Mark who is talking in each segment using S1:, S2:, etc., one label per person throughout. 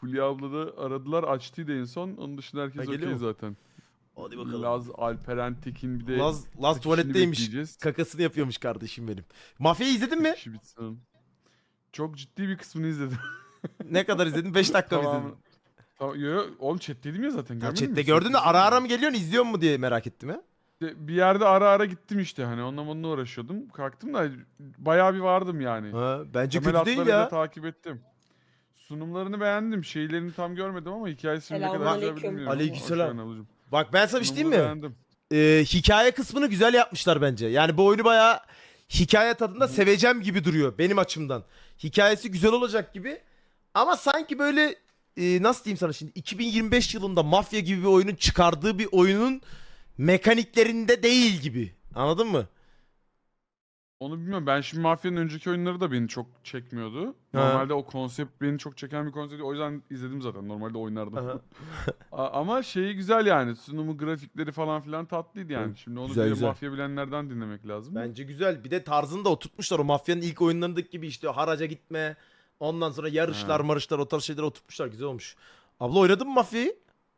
S1: Fulya abla da aradılar, açtıydı en son. Onun dışında herkes
S2: geliyor
S1: okey
S2: mu?
S1: zaten.
S2: Hadi bakalım.
S1: Laz, Alperen Tekin bir de
S2: Laz
S1: kaçışını
S2: tuvaletteymiş.
S1: bekleyeceğiz.
S2: Kakasını yapıyormuş kardeşim benim. Mafya'yı izledin mi?
S1: İşi bitsin. Çok ciddi bir kısmını izledim.
S2: Ne kadar izledin? 5 dakika mı
S1: Tamam.
S2: izledin?
S1: Tamam, yo, oğlum chat dedim ya zaten.
S2: Ya
S1: Görmedin
S2: chatte
S1: mi?
S2: gördün de ara ara mı geliyorsun izliyor mu diye merak ettim ya.
S1: Bir yerde ara ara gittim işte, hani onunla uğraşıyordum. Kalktım da bayağı bir vardım yani.
S2: Ha, bence
S1: Temel
S2: kötü değil
S1: hatlarıyla
S2: ya.
S1: takip ettim. Sunumlarını beğendim. Şeylerini tam görmedim ama hikayesini ne kadar güzel
S3: Selamünaleyküm.
S1: bilmiyorum. ama
S2: Aleykümselam.
S1: hoş geldin ablacığım.
S2: Bak ben sana bir şey diyeyim mi?
S1: Sunumunu
S2: Hikaye kısmını güzel yapmışlar bence. Yani bu oyunu bayağı hikaye tadında seveceğim gibi duruyor benim açımdan. Hikayesi güzel olacak gibi. Ama sanki böyle nasıl diyeyim sana şimdi 2025 yılında Mafya gibi bir oyunun çıkardığı bir oyunun mekaniklerinde değil gibi. Anladın mı?
S1: Onu bilmiyorum. Ben şimdi Mafya'nın önceki oyunları da beni çok çekmiyordu. Normalde o konsept beni çok çeken bir konsept. O yüzden izledim zaten. Normalde oynardım.
S2: Aha.
S1: Ama şeyi güzel yani. Sunumu, grafikleri falan filan tatlıydı yani.
S2: Evet,
S1: Şimdi onu
S2: güzel,
S1: bir de
S2: güzel.
S1: Mafya bilenlerden dinlemek lazım.
S2: Bence güzel. Bir de tarzını da oturtmuşlar. O Mafya'nın ilk oyunlarındaki gibi işte haraca gitme. Ondan sonra yarışlar,
S1: Ha.
S2: marışlar o tarz şeyler oturtmuşlar. Güzel olmuş. Abla oynadın mı Mafya'yı?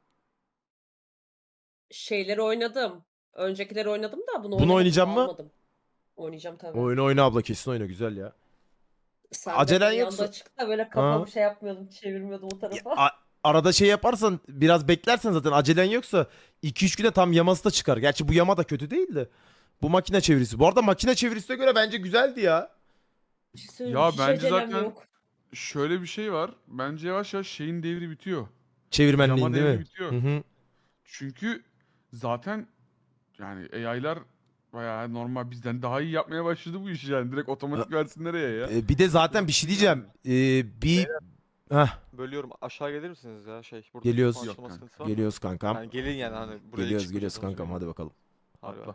S3: Şeyleri oynadım. Öncekileri oynadım da bunu
S2: Bunu oynayacağım mı?
S3: almadım. Oynayacağım tabii.
S2: Oyunu oyna abla kesin oyna güzel ya.
S3: Sen
S2: acelen
S3: de
S2: yoksa-
S3: yanda açık da böyle kafamı
S2: Ha.
S3: şey yapmıyordum, çevirmiyordum o tarafa.
S2: Arada şey yaparsan biraz beklersen zaten acelen yoksa 2-3 güne tam yaması da çıkar. Gerçi bu yama da kötü değil de. Bu makine çevirisi. Bu arada makine çevirisine göre bence güzeldi ya.
S3: Bir şey söyleyeyim,
S1: Ya
S3: hiç
S1: bence
S3: acelem
S1: zaten
S3: yok.
S1: şöyle bir şey var. Bence yavaş yavaş şeyin devri bitiyor.
S2: Çevirmenliğin
S1: Yama
S2: değil
S1: devri
S2: mi?
S1: bitiyor.
S2: Hı hı.
S1: Çünkü zaten yani AI'lar bayağı normal bizden daha iyi yapmaya başladı bu işi yani. Direkt otomatik versin nereye ya?
S2: Bir de zaten bir şey diyeceğim. Bir... Heh,
S4: Bölüyorum. Aşağı gelir misiniz ya şey? Burada
S2: Geliyoruz.
S4: mikrofon
S1: Yok
S4: açılma
S1: kanka.
S4: sıkıntısı var mı?
S2: geliyoruz kankam.
S4: Yani gelin yani hani buraya
S2: Geliyoruz
S4: çıkmayacağız, onu
S2: kankam
S4: söyleyeyim.
S2: hadi bakalım.
S4: Hadi
S1: Atla.
S4: bay.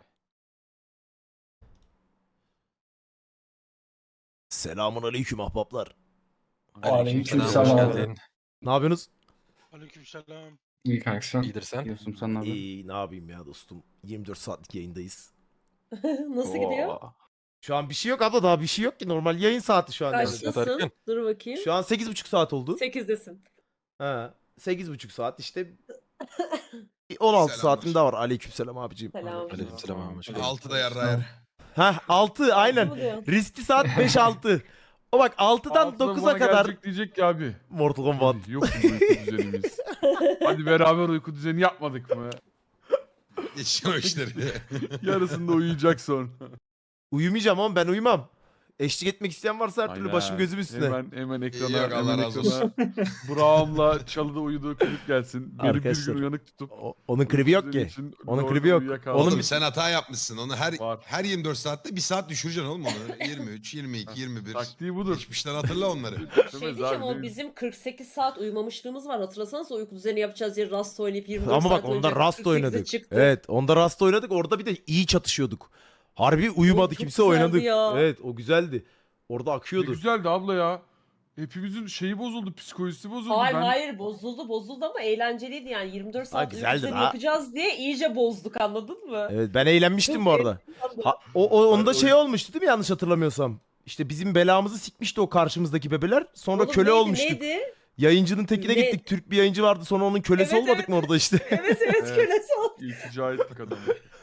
S2: Selamun aleyküm ahbaplar.
S5: Aleykümselam.
S2: Ne yapıyorsunuz?
S6: Aleykümselam.
S5: İyi kanka sen.
S7: İyidir sen.
S5: Diyorsun sen ne yapıyorsun?
S2: İyi ne yapayım ya dostum. 24 saatlik yayındayız.
S3: Nasıl gidiyor?
S7: Oo.
S2: Şu an bir şey yok abla daha bir şey yok ki. Normal yayın saati şu an. yani.
S3: Kaçtasın?
S7: Erken.
S3: Dur bakayım.
S2: Şu an 8,5 saat oldu.
S3: 8'desin.
S2: Ha, 8,5 saat işte 16
S8: Selamlar.
S2: saatim daha var. Aleykümselam abicim.
S3: Selam.
S7: Aleykümselam abi. Hoş geldin.
S8: 6'da yarrayar.
S2: Ha 6 aynen.
S3: Mı diyorsun?
S2: Riskli saat 5-6. O bak 6'dan
S1: Altıda
S2: 9'a
S1: bana
S2: kadar
S1: gelecek diyecek ki abi.
S2: Mortal Kombat.
S1: Hadi, yok mu bu uyku düzenimiz? Hadi beraber uyku düzeni yapmadık mı?
S8: Geçiyor işleri.
S1: Yarısında uyuyacak sonra.
S2: Uyumayacağım ama ben uyumam. Eşlik etmek isteyen varsa her türlü
S1: Aynen.
S2: başım gözüm üstüne.
S1: Hemen ekrana,
S8: Yok, Allah
S1: hemen
S8: razı
S1: ekrana Burak'ımla çalıda uyuduğu klip gelsin. Beni bir
S2: Arkadaşlar,
S1: gün uyanık tutup.
S2: Onun klibi yok
S1: düzeni
S2: ki.
S1: için
S2: Onun
S1: doğru
S2: klibi yok.
S1: uyuyakaldı.
S2: Onun-
S8: Oğlum sen hata yapmışsın. Onu
S1: Var.
S8: her 24 saatte bir saat düşüreceksin oğlum onu. 23, 22, 21.
S1: Taktiği budur.
S8: Geçmişten hatırla onları.
S3: Şey diyeceğim o bizim 48 saat uyumamışlığımız var. Hatırlasanız uyku düzeni yapacağız diye Rust oynayıp 24
S2: Ama bak
S3: saat
S2: onda
S3: oynayacaktık,
S2: Rust
S3: 48'e
S2: oynadık.
S3: çıktı.
S2: Evet onda Rust oynadık. Orada bir de iyi çatışıyorduk. Harbi uyumadı
S3: çok
S2: kimse
S3: güzeldi
S2: oynadık.
S3: ya.
S2: Evet o güzeldi. Orada
S1: Ne
S2: akıyordu.
S1: güzeldi abla ya. Hepimizin şeyi bozuldu, psikolojisi bozuldu.
S3: Hayır bozuldu ama eğlenceliydi yani 24 saat uyku
S2: güzeldi
S3: düzeni
S2: la.
S3: yapacağız diye iyice bozduk anladın mı?
S2: Evet ben eğlenmiştim
S3: Çok
S2: bu arada. Onda şey olmuştu değil mi yanlış hatırlamıyorsam? İşte bizim belamızı sikmişti o karşımızdaki bebeler. Sonra
S3: Oğlum
S2: köle
S3: neydi,
S2: olmuştuk.
S3: Neydi?
S2: Yayıncının tekine
S3: Ne?
S2: gittik. Türk bir yayıncı vardı. Sonra onun kölesi
S3: Evet,
S2: olmadık mı orada işte?
S3: Evet
S1: Evet.
S3: kölesi oldu.
S1: İltica ettik adamı.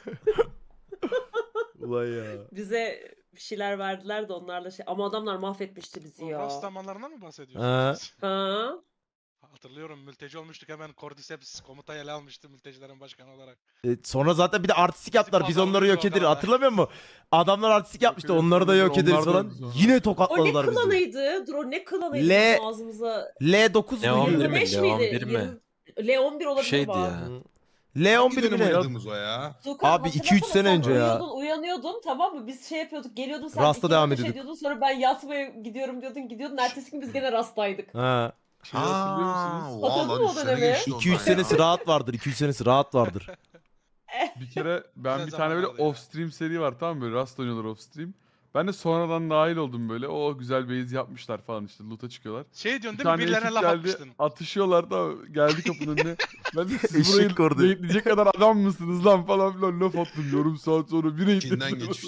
S2: Ulan ya.
S3: Bize bir şeyler verdiler de onlarla şey ama adamlar mahvetmişti bizi
S6: O
S3: ya.
S6: rastlamalarından mı
S2: Ha.
S6: bahsediyorsunuz?
S3: Ha?
S6: Hatırlıyorum mülteci olmuştuk hemen Cordyceps komutayı ele almıştı mültecilerin başkanı olarak.
S2: Sonra zaten bir de artistik yaptılar. Biz onları
S6: pazarlıyordu
S2: yok ederiz.
S6: orada.
S2: Hatırlamıyor musun? Adamlar artistik yapmıştı.
S1: ederiz,
S2: Onları da yok
S1: onlar
S2: ederiz
S1: da
S2: falan.
S1: biz sonra.
S2: Yine
S3: O ne
S2: tokatladılar bizi.
S3: klanıydı? Dur o ne klanıydı
S2: L-
S3: bizim ağzımıza?
S2: L9
S7: Ne
S2: muydu?
S7: 11 mi?
S3: 25
S7: L11
S3: miydi?
S7: mi?
S3: L11 olabilir
S7: Şeydi
S3: bak.
S7: ya.
S2: L11
S8: dönem
S2: mi ne?
S8: oynadığımız o ya.
S3: Tuğkan,
S2: Abi, 2-3
S3: hatırlasana
S2: sene
S3: sen
S2: önce ya.
S3: Uyanıyordun tamam mı? Biz şey yapıyorduk geliyordun sen
S2: Rast'a
S3: iki
S2: devam
S3: ateş
S2: ediyorduk.
S3: ediyordun sonra ben yatmaya gidiyorum gidiyordun. Ertesi gün biz gene Rast'taydık.
S2: Ha.
S1: Şeyi hatırlıyor musunuz?
S3: Hatırladın mı o dönemi?
S2: 2-3 senesi rahat vardır. 2-3 senesi rahat vardır.
S1: Bir kere ben
S6: Güzel
S1: bir tane böyle
S6: zamanlardı ya.
S1: off stream seri var tamam mı? Böyle Rust oynuyorlar off stream. Ben de sonradan dahil oldum böyle. O güzel base yapmışlar falan işte loot'a çıkıyorlar.
S6: Şey diyorsun
S1: Bir
S6: değil mi?
S1: tane
S6: Birilerine
S1: ekip
S6: laf
S1: geldi,
S6: atmıştın.
S1: atışıyorlar da geldi kapının önüne. Ben de siz
S2: Eşek kordu.
S1: burayı diyecek kadar adam mısınız lan falan filan laf attım yarım saat sonra bir
S8: İçinden
S1: raidledim.
S8: geçmiş.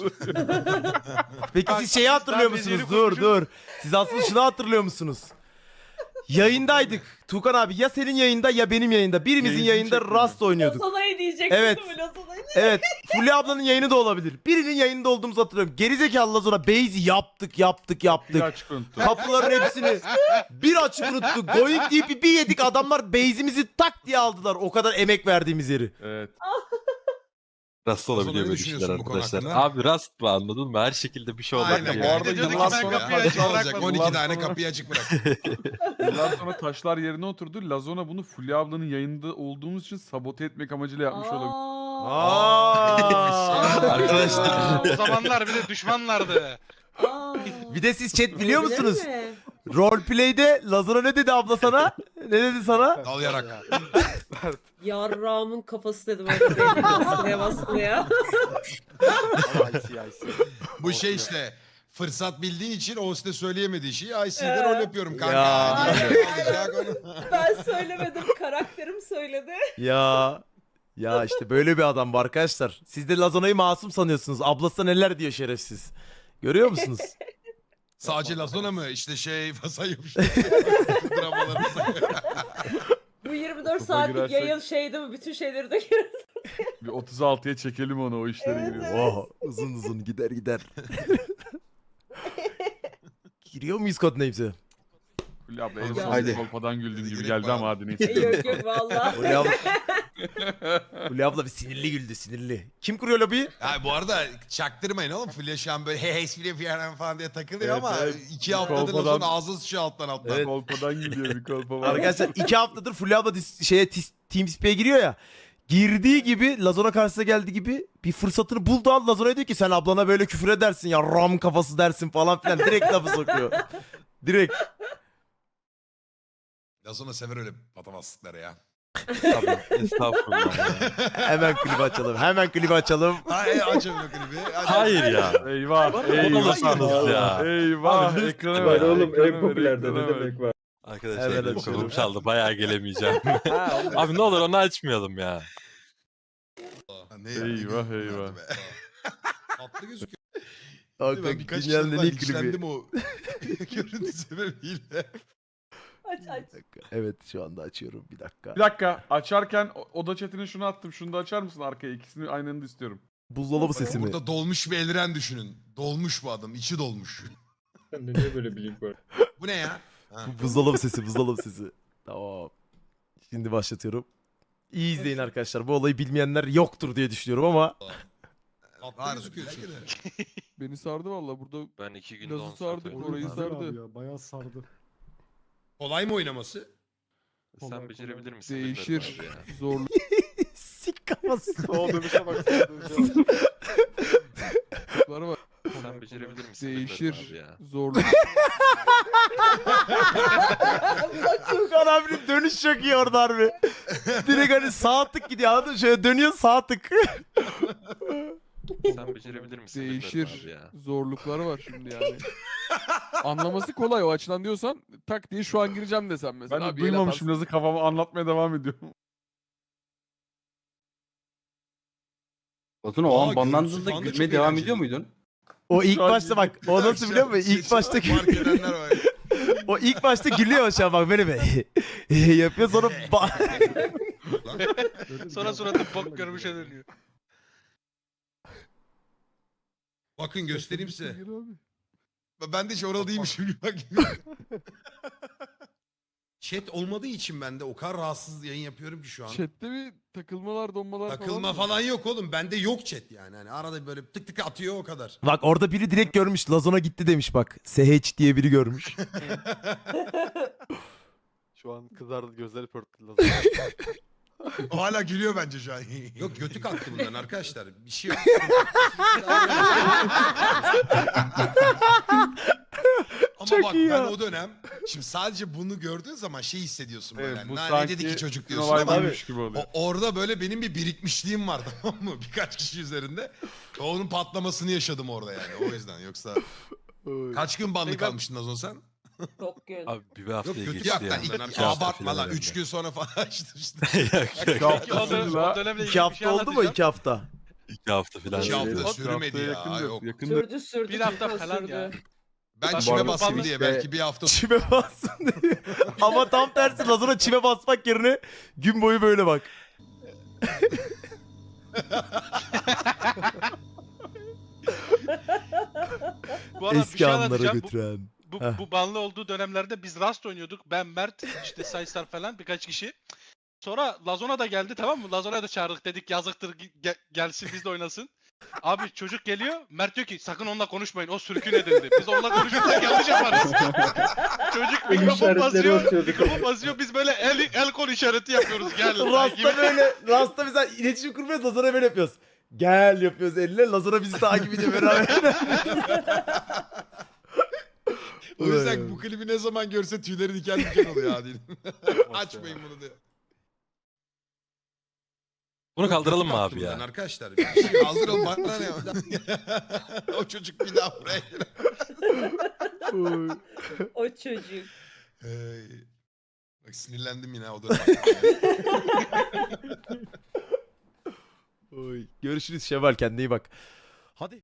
S2: Peki
S6: Bak,
S2: siz şeyi
S6: daha
S2: hatırlıyor
S6: bezeli
S2: musunuz? Dur
S6: konuşun.
S2: dur. Siz aslında şunu hatırlıyor musunuz? Yayındaydık. Tuğkan abi ya senin yayında ya benim yayında. Birimizin
S1: Yayıncı
S2: yayında
S1: çekmiyor.
S2: Rust oynuyorduk.
S3: Lazana'yı diyecektim
S2: Evet.
S3: değil mi? Lazana'yı.
S2: Evet. Fulya ablanın yayını da olabilir. Birinin yayında olduğumuzu hatırlıyorum. Gerizekalı Lazona base'i yaptık.
S1: Bir açık unuttum.
S2: Kapıların hepsini bir açık unuttuk. Going deyip bir yedik. Adamlar base'imizi tak diye aldılar. O kadar emek verdiğimiz yeri.
S1: Evet.
S7: Rast
S8: Sonra
S7: olabiliyor
S8: ne
S7: böyle şeyler
S8: düşünüyorsun bu konu
S7: arkadaşlar.
S8: hakkında?
S7: Abi Rast mı anladın mı? Her şekilde bir şey olacak.
S8: Aynen.
S1: Bu
S8: Ya.
S1: arada
S6: Bir de diyordu ki
S1: yıllar
S6: ben
S1: sonra
S6: kapıyı açık
S8: Ne olacak?
S6: bırakmadım.
S8: 12 tane
S1: Sonra-
S8: kapıyı açık bırak.
S1: Yıllar sonra taşlar yerine oturdu. Lazona bunu Fulya ablanın yayında olduğumuz için sabote etmek amacıyla yapmış olabilir.
S7: Arkadaşlar.
S6: O zamanlar bir de düşmanlardı.
S2: Bir de siz chat biliyor
S3: Olabilir
S2: musunuz?
S3: mi?
S2: Roleplay'de Lazona ne dedi abla sana? Ne dedi sana?
S8: Dal yarak.
S3: Yarrağımın kafası dedim öyle baskıya baskıya.
S8: Bu şey işte fırsat bildiğin için o size söyleyemediği şeyi IC'de
S3: Evet.
S8: rol yapıyorum kanka.
S2: Ya.
S8: Alacak onu.
S3: Ben söylemedim, karakterim söyledi.
S2: Ya işte böyle bir adam bu arkadaşlar. Siz de Lazona'yı masum sanıyorsunuz. Ablası neler diyor şerefsiz. Görüyor musunuz?
S8: Sadece Lazona mı? İşte şey sayıyormuş. Dramalarımızda.
S3: Bu 24
S1: Topa
S3: saatlik
S1: girersek-
S3: yayın şeydi mi? Bütün şeyleri döküyoruz.
S1: Bir 36'ya çekelim onu o işlere
S3: Evet,
S1: giriyor.
S3: evet.
S2: Oh, uzun uzun gider. Giriyor muyuz Codenames'e?
S1: Fulya abla en
S3: Ya.
S1: son
S5: Haydi.
S1: kolpadan güldüğün gibi
S8: Gerek
S1: geldi
S8: var.
S1: ama hadi neyse.
S3: Yok yok valla.
S2: Fulya abla bir sinirli güldü sinirli. Kim kuruyor lobiyi?
S8: Ha, bu arada çaktırmayın oğlum. Fulya şu an böyle hey Fulya falan diye takılıyor
S1: Evet,
S8: ama
S1: evet.
S8: 2 haftadır
S1: Kolpadan-
S8: Lazona ağzı sıçıyor alttan alttan.
S2: Evet.
S1: Kolpadan gülüyor bir kolpa var.
S2: Arkadaşlar 2 haftadır Fulya abla TeamSpeak'e giriyor ya. Girdiği gibi Lazona karşısına geldi gibi bir fırsatını buldu an Lazona'ya diyor ki sen ablana böyle küfür edersin ya ram kafası dersin falan filan direkt lafı sokuyor. Direkt.
S8: Lazona sever öyle patavatsızlıkları ya.
S7: Tabii, estağfurullah ya.
S2: Hemen klibi açalım.
S8: Hayır açalım o klibi. Hadi.
S7: Hayır ya.
S1: Eyvah,
S7: Olamazsınız
S1: eyvah.
S7: ya.
S1: Eyvah,
S7: Abi,
S1: ekrana
S5: Var
S1: ver.
S5: oğlum
S1: ekrana
S5: en
S1: ver,
S5: popülerde
S1: ekrana
S5: ne
S1: ver.
S5: demek var.
S7: Arkadaşlar
S2: Evet,
S7: benim
S2: açıyorum.
S7: kolum çaldı. Bayağı gelemeyeceğim. Abi ne olur onu açmayalım ya.
S8: Ne
S1: Eyvah, eyvah.
S8: Tatlı gözüküyor.
S2: Hakikaten
S8: Ben birkaç
S2: dünyanın en
S8: yıldan
S2: iyi klibi.
S8: içlendim o görüntü sebebiyle.
S3: Aç aç.
S2: Evet şu anda açıyorum bir dakika.
S1: Bir dakika, açarken oda chatine şunu attım. Şunu da açar mısın arkaya? İkisini aynı anda istiyorum.
S2: Buzdolabı sesi mi?
S8: Burada dolmuş bir eldiren düşünün. Dolmuş bu adam. içi dolmuş.
S5: Sende niye böyle bir link var?
S8: Bu ne ya? Ha.
S2: Buzdolabı sesi. Tamam. Şimdi başlatıyorum. İyi izleyin arkadaşlar. Bu olayı bilmeyenler yoktur diye düşünüyorum ama.
S8: Tatlı gözüküyor çünkü.
S9: Beni sardı valla burada.
S7: Ben 2 gün
S9: Lazı sardı, orayı sardı.
S5: Ya, bayağı sardı.
S8: Kolay mı oynaması?
S7: Sen becerebilir misin?
S9: Değişir.
S7: bilmiyorum abi ya.
S9: Zorluk.
S2: Sik kafası.
S6: O dönüşe bak.
S9: var.
S7: Sen becerebilir misin? bilmiyorum
S9: Değişir.
S7: abi ya.
S9: Zorluk.
S2: Tuğkan abinin dönüş çok iyi orada harbi. Direkt hani sağ tık gidiyor anladın mı? Şöyle dönüyor sağ tık.
S7: Sen becerebilir misin? bilmiyorum abi
S9: Değişir.
S7: ya.
S9: Zorlukları var şimdi yani. Anlaması kolay o açıdan diyorsan tak diye şu an gireceğim desem mesela.
S1: Ben de
S9: Abi, el
S1: duymamışım.
S9: atarsın.
S1: Nasıl kafamı anlatmaya devam ediyorum.
S5: Batuhan o
S8: Aa,
S5: an banlandığında
S8: görüntüsü falan da
S5: gülmeye
S8: çok
S5: devam
S8: eğlenceli.
S5: ediyor muydun?
S2: O ilk
S1: Şu an
S2: başta bak o nasıl biliyor musun? İlk başta
S8: Fark edenler var.
S2: o ilk başta gülüyor şu an bak böyle bir yapıyor sonra
S6: Sonra suratı bok görmüşe dönüyor.
S8: Bakın göstereyim size.
S9: Gir abi.
S8: Ben de hiç oralı değilmişim gibi bak. Chat olmadığı için ben de o kadar rahatsız yayın yapıyorum ki şu an.
S9: Chat'te bir takılmalar donmalar
S8: Takılma
S9: mı?
S8: falan yok oğlum. Bende yok chat yani. Hani arada böyle tık tık atıyor o kadar.
S2: Bak orada biri direkt görmüş. Lazona gitti demiş bak. SH diye biri görmüş.
S4: Şu an kızardı gözleri pörtledi.
S8: O hala gülüyor bence şu an. Yok götü kalktı bundan arkadaşlar. Bir şey yok. Ama
S2: Çok
S8: bak
S2: iyi
S8: ben
S2: ya.
S8: o dönem şimdi sadece bunu gördüğün zaman şey hissediyorsun böyle.
S1: Evet,
S8: Evet,
S1: bu
S8: ne
S1: sanki
S8: dedi ki çocuk diyorsun ama
S1: Survivor'mış gibi oluyor.
S8: orada böyle benim bir birikmişliğim var tamam mı? Birkaç kişi üzerinde. Onun patlamasını yaşadım orada yani o yüzden. Yoksa kaç gün banlı
S6: Peki ben-
S8: kalmıştın Nazon sen?
S3: Çok gün.
S7: Abi bir
S8: Yok
S7: haftaya
S8: kötü
S7: geçti
S8: yaktan.
S7: ya.
S8: İlk,
S7: İki hafta
S8: abartma
S7: falan
S8: lan.
S7: herhalde.
S8: 3 gün sonra falan açtım işte.
S7: Yok yok.
S6: Peki o dönemle ilgili
S2: 2
S6: bir
S2: hafta
S6: şey
S2: oldu mu
S6: anlatacağım.
S2: 2 hafta?
S7: 2 hafta falan.
S8: 2 hafta
S5: Evet.
S8: sürmedi ya.
S1: Yakındır,
S8: Yok.
S1: yakındır.
S3: Sürdü
S6: Bir hafta
S3: çok
S6: falan
S3: sürdü.
S6: ya.
S8: Ben
S6: Bak,
S8: çime
S6: bu
S8: basayım
S6: arada
S8: diye
S5: işte-
S8: belki bir hafta
S2: Çime bassın diye. Ama tam tersi Lazona çime basmak yerine gün boyu böyle bak.
S6: Bu arada bir
S2: Eski
S6: şey
S2: anlara
S6: anlatacağım.
S2: götüren.
S6: Bu,
S2: Heh.
S6: bu banlı olduğu dönemlerde biz Rust oynuyorduk. Ben, Mert, işte Saysar falan birkaç kişi. Sonra Lazona da geldi, tamam mı? Lazona'ya da çağırdık, dedik yazıktır gelsin biz de oynasın. Abi çocuk geliyor, Mert diyor ki sakın onunla konuşmayın, o sürkün edildi. Biz onunla konuşursak yanlış yaparız. Çocuk
S5: El
S6: mikrofon
S5: işaretleri
S6: basıyor,
S5: atıyorduk.
S6: mikrofon basıyor, biz böyle el kol işareti yapıyoruz. Gel.
S2: Rasta böyle, Rasta mesela iletişim kurmuyoruz, Lazona böyle yapıyoruz. Gel yapıyoruz elle, Lazona bizi takip ediyor beraber.
S8: O yüzden bu klibi ne zaman görse tüyleri diken diken oluyor hadi. Açmayın bunu diye.
S7: Bunu kaldıralım mı
S8: Kötü
S7: abi
S8: baktım ben
S7: ya?
S8: Arkadaşlar bir şey kaldıralım bana ne? O çocuk bir daha buraya gelir.
S3: O çocuk.
S8: Bak sinirlendim yine o da.
S2: Görüşürüz Şevval, kendine iyi bak.